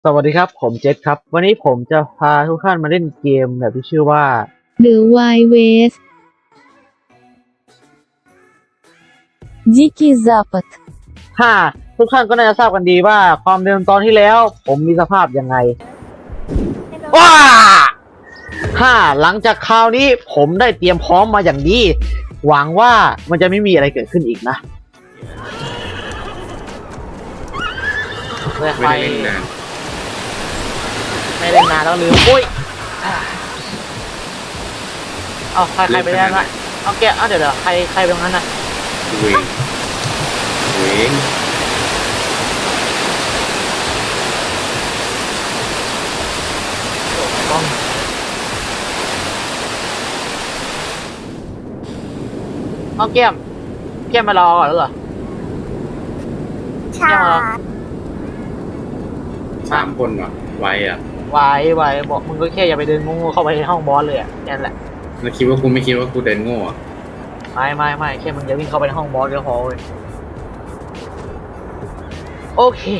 สวัสดีครับผมเจษครับวันนี้ผมจะพาทุกท่านมาเล่นเกมแบบที่ชื่อว่า The Wild West Дикий Запад ถ้าทุกท่านก็น่าจะทราบกันดีว่าความเดิมตอนที่แล้วผมมีสภาพยังไงว้าหลังจากคราวนี้ผมได้เตรียมพร้อมมาอย่างดีหวังว่ามันจะไม่มีอะไรเกิดขึ้นอีกนะไม่ได้เล่นนานไม่เล่นนานแล้วลืมอุ้ยเอาใครไปได้ละเอาแกเอาเดี๋ยวใครเป็นงั้นน่ะเวงเวงเอาแก้มมารอก่อนแล้วเหรอใช่ 3 คนเหรอไวอ่ะไว้บอกมึงก็แค่อย่าไปเดินงูเข้าไปในห้องบอสเลยอ่ะนั่นแหละแล้วคิดว่ากูไม่คิดว่ากูเดินโง่อ่ะไม่แค่มึงอย่าวิ่งเข้าไปในห้องบอสก็พอเว้ยโอเค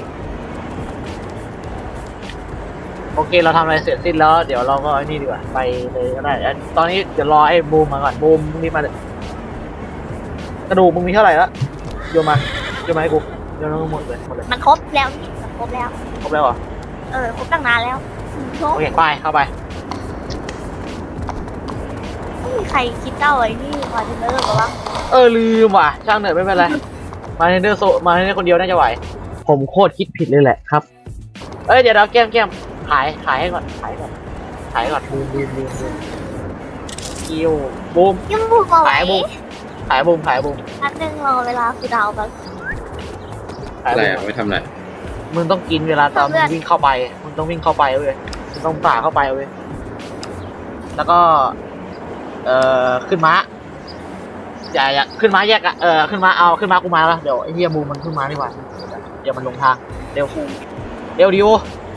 เราทำอะไรเสร็จสิ้นแล้วเดี๋ยวเราก็ไอ้นี่ดีกว่าไปเลยก็ได้ตอนนี้เดี๋ยวรอไอ้บูมมาก่อนบูมนี่มากระดูกมึงมีเท่าไหร่ละโยนมาให้กูโยนมาหมดเลยมันครบแล้วนี่มันครบแล้วครบแล้วเหรอครบตั้งนานแล้วครบโอเคไปเข้าไปไม่มีใครคิดเจ้าไอ้นี่มาเทนเนอร์หรอวะลืมว่ะช่างเหนื่อยไม่เป็นไรมาเทนเดอร์มาเทนเดอร์คนเดียวน่าจะไหวผมโคตรคิดผิดเลยแหละครับเดี๋ยวแก้มขายให้ก่อนบูมคิวบูมยังบุกมาไว้ขายบูมนัดหนึ่งรอเวลาคือดาวแบบขายอะไรบูอ่ะมไม่ทำอะไรมึงต้องกินเวลาตอนมึงวิ่งเข้าไปมึงต้องวิ่งเข้าไปเว้ยมึงต้องฝ่าเข้าไปเว้ยแล้วก็ขึ้นม้าอย่าขึ้นม้าแยกอะขึ้นม้ากูมาแล้วเดี๋ยวไอ้เหี้ยบูมมันขึ้นม้าดีกว่าเดี๋ยวมันลงทางเร็วดิว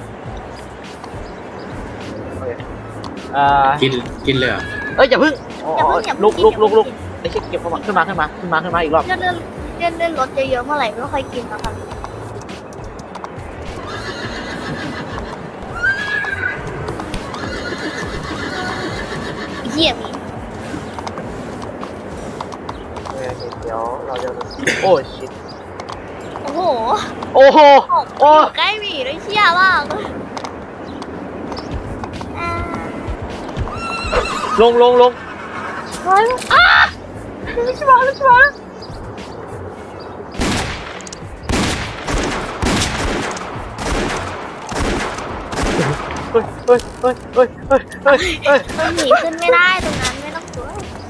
กินเลยเหรออย่าพึ่งอย่าเพิ่งลุกไอ้เชี่ยเก็บเข้ามาขึ้นมาอีกรอบเลื่อนรถเยอะๆเมื่อไหร่ไม่ค่อยกินแล้วกันเหี้ยมีเดี๋ยวเราจะโอ้ชิตโอ้โหโอ้อยู่ใกล้หมีด้วยเชี่ยมากลงไม่ใช่มาเฮ้ยมันหนีขึ้นไม่ได้ตรงนั้นไม่ต้องกลัว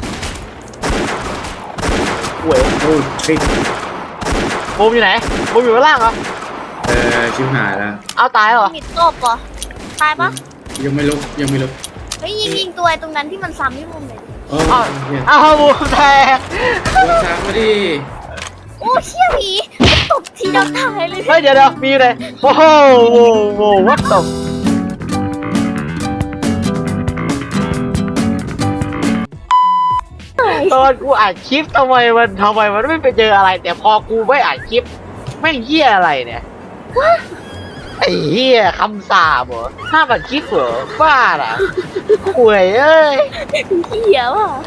เว้ยโอ้ชิคบูมอยู่ไหนบูมอยู่ข้างล่างเหรอชิบหายแล้วเอาตายเหรอมีตบเหรอตายปะยังไม่ลุกเฮ้ยยิงตัวไอ้ตรงนั้นที่มันซ้ำที่มุมเลยโอ้เฮียเอาบูมแทงโดนซ้ำมาดิโอ้เชี่ยผีตบทีเดียวตายเลยเฮ้ยเดี๋ยวมีเลยโอ้โหวัดตบตอนกูอัดคลิปทำไมมันไม่ไปเจออะไร แต่พอกูไม่อัดคลิปแม่งเหี้ยอะไรเนี่ยไอ้เหี้ยคำสาบเหรอห้ามอัดคลิปเหรอบ้าเหรอห่วยเอ้ยเหี้ยว่ะ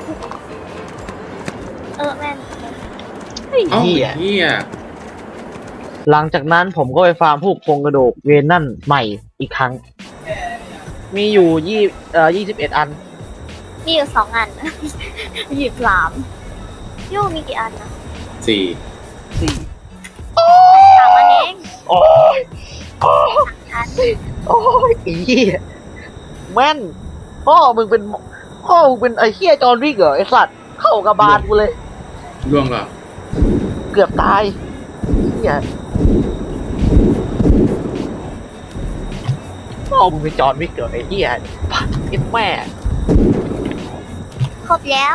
แม่นเอ้าเฮียหลังจากนั้นผมก็ไปฟาร์มพวกโครงกระดูกเวนนั่นใหม่อีกครั้ง มีอยู่21 อันมีอยู่2 อันหยิบ3โย่มีกี่อันนะ 4 3 อันเองโอ้ยอันอีเหี้ยแม่นพ่อมึงเป็นไอ้เหี้ยจอห์นวิกเหรอไอ้สัตว์เข้ากระบาลกูเลยล่วงเหรอเกือบตายเหี้ยพ่อมึงเป็นจอห์นวิกเหรอไอ้เหี้ยไอ้แม่ครบแล้ว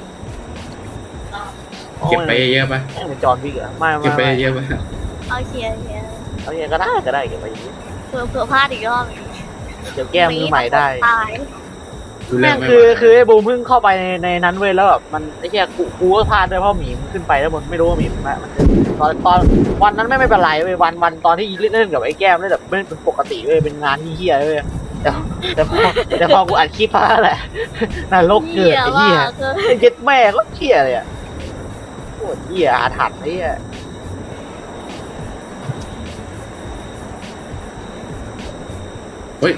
เก็บไปเยอะปะแม่งเป็นจอห์นวิกเหรอไม่เก็บไปเยอะปะเอาเชียร์เอาอย่างก็ได้เก็บไปอย่างนี้เผื่อพลาดอีกรอบเดี๋ยวแก้มือใหม่ได้ตายดูแลแม่งไม่คือไหวคือไอ้บูมเพิ่งเข้าไปในนั้นเว้ยแล้วแบบมันไอ้เหี้ยกูก็พลาดด้วยเพราะหมีมันขึ้นไปแล้วมันไม่รู้ว่าหมีมันตอนวันนั้นไม่เป็นไรเว้ยวันตอนที่เล่นกับไอ้แก้มเล่นแบบเป็นปกติเว้ยเป็นงานเหี้ยเว้ยแต่พอกูอัดคลิปมาแหละนรกเกิดไอ้เหี้ยเกินไอ้เย็ดแม่ก็เหี้ยเลยอ่ะโคตรเหี้ยอาถรรพ์ไอ้เหี้ยเฮ้ย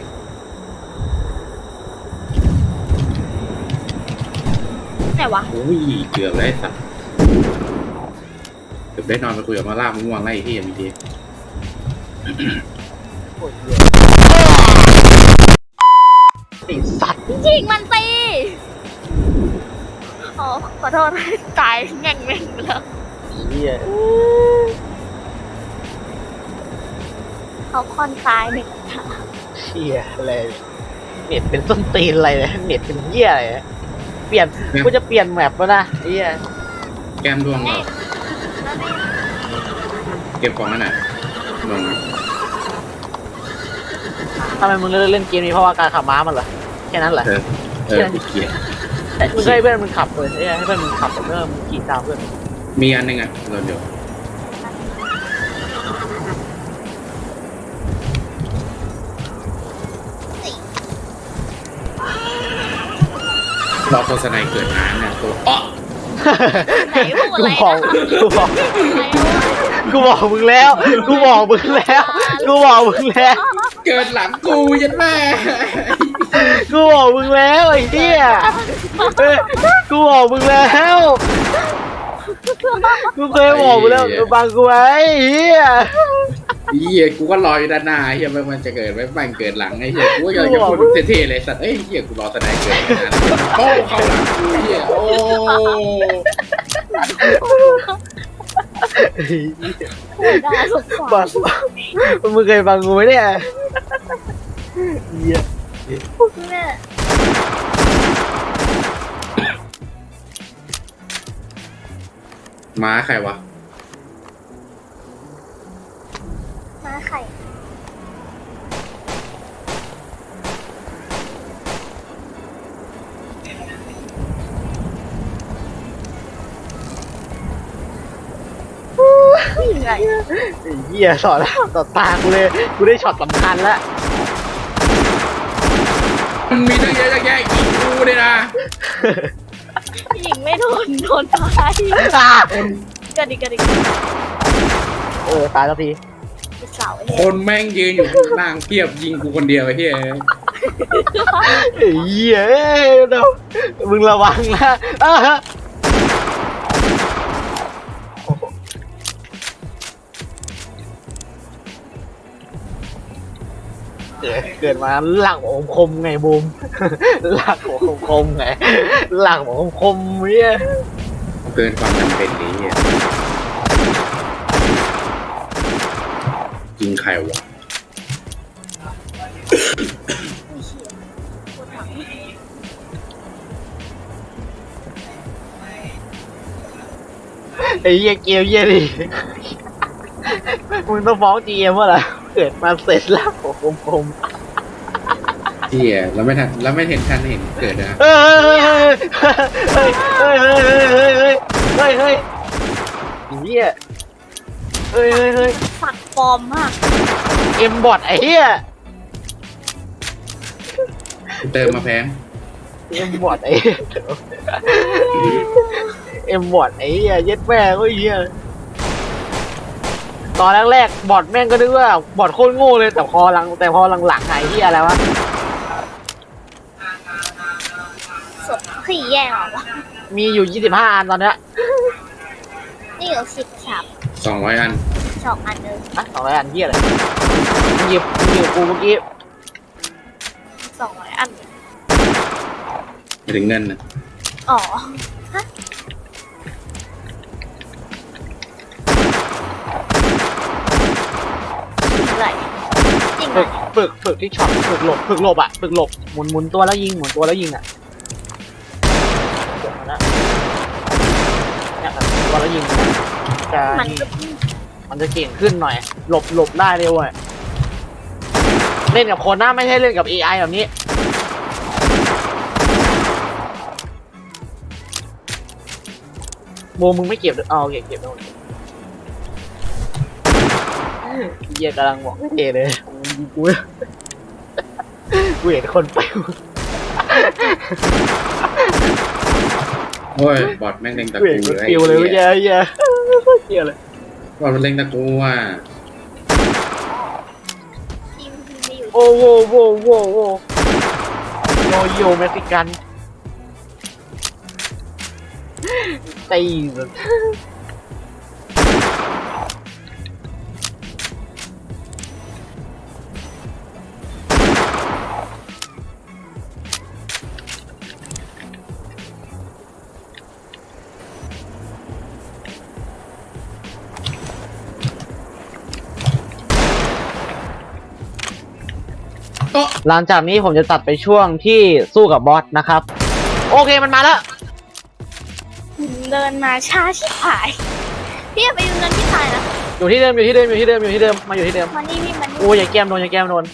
ไหนวะโอ้ยเกือบแล้วไอ้สัตว์เกือบได้นอนไปคุยกับมาล่าม่วงไล่ที่มีดีโคตรเหี้ยไอ้สัตว์ยิงมันตีอ๋อขอโทษตายแง่งไปแล้วไอ้เหี้ยเขาค่อนซ้ายหนึ่งเหี้ยอะไรเน็ตเป็นส้นตีนอะไรเนี่ยเน็ตเป็นเหี้ยอะไรเนี่ยเปลี่ยนกูจะเปลี่ยนแมปแล้วนะไอ้เหี้ยแก้มร่วงเหรอเก็บของนั่นน่ะลงทำไมมึงเล่นเกมนี้เพราะว่าการขับม้ามันเหรอแค่นั้นเหรอกูเกลียดแต่มึงให้เพื่อนมึงขับเลยให้เพื่อนมึงขับเพื่อนมึงขี่ตามเพื่อนมีอันหนึงอ่ะเราเดี๋ยวรอโฆษณาเกิดน้ำเนี่ยตัวอ๊ะไหนพูดอะไรกูบอกมึงแล้วกูบอกมึงแล้วเกิดหลังกูยันแม่กูบอกมึงแล้วไอ้เหี้ยกูบอกมึงแล้วกูเคยบอกมึงแล้วบังกูไว้เหี้ยเฮียกูก็รออยู่ด้านหน้าเฮียมันจะเกิดไหมมันเกิดหลังไอ้เฮียกูอยากจะพูดเท่ๆเลยสัตว์เอ้ยเฮียกูรอสนายเกิดนะโอ้เข้าหลังกูเฮียโอ้ด่าสงสารบังมึงเคยบังกูไหมเนี่ยเหี้ยแม่ม้าใครวะมาไข่ ยังไงไอ้เหี้ยสอนแล้วต่อตากูเลยกูได้ช็อตสำคัญแล้วมันมีตั้งเยอะแยะยิงกูเลยนะยิงไม่โดนตายกระดิกตายแล้วทีเป็นเสาไอ้คนแม่งยืนอยู่ข้างล่างเพียบยิงกูคนเดียวไอ้เฮียไอ้เหี้ยเดี๋ยวมึงระวังนะเกิดมาหลักของคมไงบูมหลักของคมไงหลักของคมเนี่ยเกินความจำเป็นนี้ยยิงใครวะไอ้เหี้ยเกมเหี้ยดิมึงต้องฟ้องจีเอ็มว่าล่ะเกิดมาเสร็จหลักของคมเฮียแล้วไม่ทันแล้วไม่เห็นทันเห็นเกิดนะเฮ้ยเหี้ยเฮ้ยสักปลอมมากเอ็มบอทไอ้เหี้ยเติมมาแพงเอ็มบอทไอ้เอ็มบอทไอ้เหี้ยเย็ดแม่ก็เหี้ยตอนแรกๆบอทแม่งก็นึกว่าบอทโคตรโง่เลยแต่พอหลังไอ้เหี้ยอะไรวะสดขี่แย่งเหรอวะมีอยู่25อันตอนเนี้ยนี่อยู่13 200 อัน 2 อันเลยนะ200อันเหี้ยอะไรมึงหยิบกูเมื่อกี้ 200 อันไม่ถึงเงินนะอ๋อฮะยิงอะไรยิงอะไรฝึกที่ช็อตฝึกหลบอ่ะฝึกหลบหมุนตัวแล้วยิงอ่ะเดี๋ยวนะเนี่ยตัวแล้วยิงจะมันก็มันจะเก่งขึ้นหน่อยหลบได้เร็วอ่ะเล่นกับคนนะไม่ใช่เล่นกับ AI แบบนี้โบมึงไม่เก็บด้วยอ๋อโอเคเก็บแล้วเหี้ยกำลังบอกไม่เทเลยกูกูเห็นคนไปโอ้ยบอดแม่งเล็งตะกูเห็นกูคนเลยปิวเลยเหี้ยเหี้ยเหี้ยเลยบอดมันเล็งตะกูอ่ะทีมไม่อยู่โอ้โหโว้โว้โว้โยโย่เม็กซิกันตีสุดก็หลังจากนี้ผมจะตัดไปช่วงที่สู้กับบอสนะครับ โอเคมันมาแล้วเดินมาช้าชิบหายพี่อย่าไปดูเงินที่ตายนะอยู่ที่เดิมอยู่ที่เดิมอยู่ที่เดิมอยู่ที่เดิมมาอยู่ที่เดิมมานี่พี่มันโอ้ยอย่าแก้มโดนอย่าแก้มโดน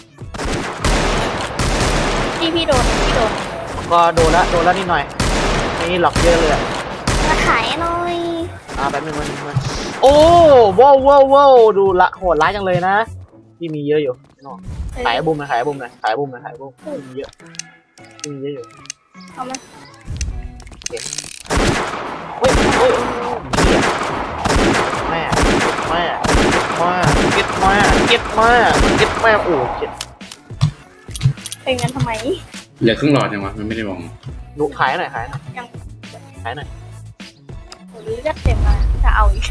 พี่โดนพี่โดนก็โดนแล้วนิดหน่อยนี่หลอกเยอะเลยอะมาขายหน่อยแป๊บนึงมันโอ้ว้าวว้าวว้าวดูละโหดร้ายจังเลยนะที่มีเยอะอยู่น้องขายบุ้มหน่อยขายบุ้มหน่อยขายบุ้มหน่อยขายบุ้มมีเยอะมีเยอะอยู่เอามาเฮ้ยเฮ้ยเหี้ยแม่เก็ตแม่โอ้เก็ตเป็นกันทำไมเหลือครึ่งหลอดยังวะมันไม่ได้มองดูขายหน่อยขายหน่อยยังขายหน่อยหรือจะเต็มมาจะเอาอีก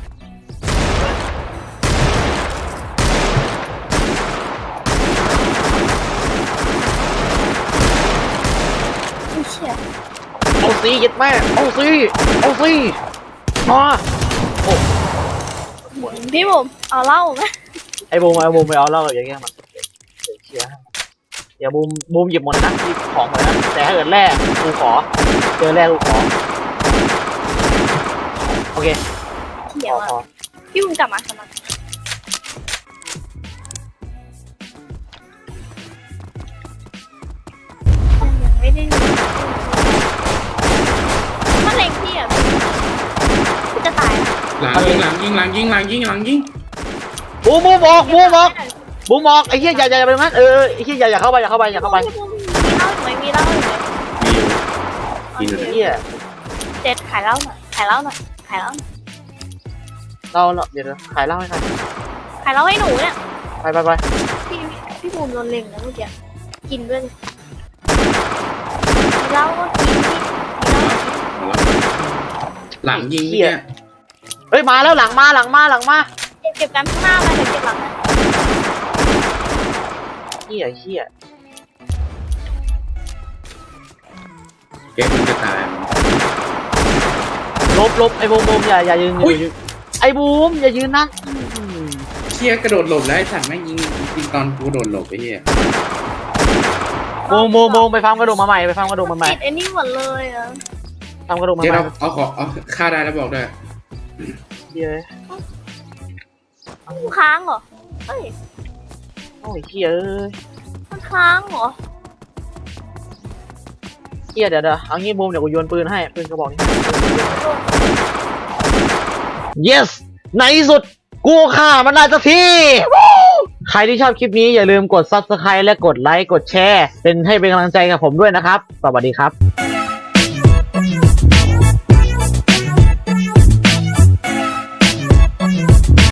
ไม่เชื่อเอาซีเก็ตแม่เอาซีมาโอ้พี่บุ๋มเอาเหล้าไหมไอ้บูมไปเอาเหล้าอย่างเงี้ยมันเชียร์เดี๋ยวบูมหยิบหมดนะหยิบของหมดนะแต่ถ้าเกิดแรกกูขอเจอแรกกูขอโอเคเดี๋ยวขอพี่บุ๋มกลับมายังไม่ได้มันเล็งพี่อ่ะพี่จะตายหลังยิงบูมออกไอ้เหี้ยอย่าไปนั้นไอ้เหี้ยอย่าเข้าไปมีเหล้าอยู่ไหมมีเหล้าอยู่ไหมมีอยู่กินอยู่เหี้ยเจ็ดขายเหล้าหน่อยขายเหล้าหน่อยเราเดี๋ยวขายเหล้าให้ใครขายเหล้าให้หนูเนี่ยไปพี่บูมโดนเล็งนะเมื่อกี้กินด้วยมีเหล้าก็กินมีเหล้าก็กินหลังยิงเนี่ยเฮ้ยมาแล้วหลังมาเก็บกันข้างหน้าไปเดี๋ยวเก็บหลังนะเหี้ยเก๊กมันจะตายลบไอ้บูมอย่ายืนไอ้บูมอย่ายืนนะเชี่ยกระโดดหลบแล้วไอ้สัตว์แม่งยิงตอนกูโดดหลบไอ้เหี้ยบูมไปฟังกระดูกมาใหม่ติดไอ้นี่หมดเลยอ่ะทำกระดูกมาเจ๊ใหม่เอาฆ่าได้แล้วบอกด้วยเหี้ยมันค้างเหรอเอ้ยโอ้ยเหี้ยมันค้างเหรอเหี้ยเดี๋ยวเอางี้บูมเดี๋ยวกูโยนปืนให้ปืนกระบอกนี้ yes ในที่สุดกูฆ่ามันได้สักทีใครที่ชอบคลิปนี้อย่าลืมกด Subscribe และกดไลค์กดแชร์เป็นให้เป็นกำลังใจกับผมด้วยนะครับสวัสดีครับ